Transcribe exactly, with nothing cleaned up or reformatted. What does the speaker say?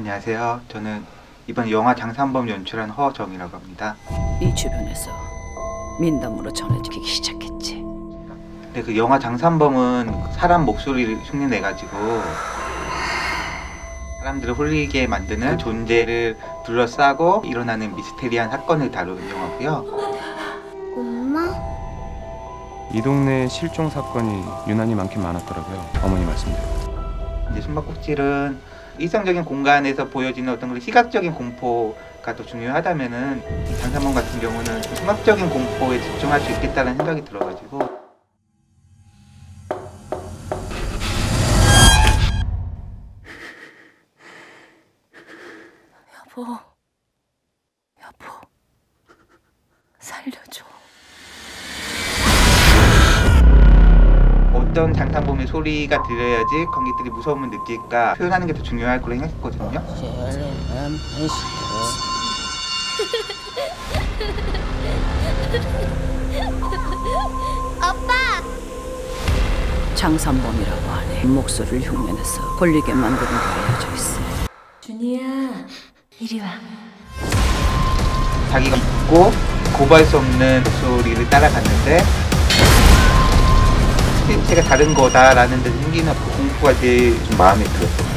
안녕하세요. 저는 이번 영화 장산범 연출한 허정이라고 합니다. 이 주변에서 민담으로 전해지기 시작했지. 근데 그 영화 장산범은 사람 목소리를 흉내내가지고 사람들을 홀리게 만드는 그 존재를 둘러싸고 일어나는 미스테리한 사건을 다루는 영화고요. 엄마? 이 동네에 실종 사건이 유난히 많긴 많았더라고요. 어머니 말씀대로. 이제 숨바꼭질은 일상적인 공간에서 보여지는 어떤 그런 시각적인 공포가 더 중요하다면은 이 장산범 같은 경우는 음악적인 공포에 집중할 수 있겠다는 생각이 들어가지고. 여보, 여보, 살려줘. 어떤 장산범의 소리가 들려야지 관객들이 무서움을 느낄까 표현하는 게 더 중요할 거라 생각했거든요. 아빠! 장산범이라고 하네. 목소리를 흉내내서 홀리게 만드는 게 알려져 있어. 준이야, 이리 와. 자기가 묻고 고발 수 없는 목소리를 따라갔는데 실체가 다른 거다라는 데 생기는 그 공포가 제일 좀 마음에 들었어요.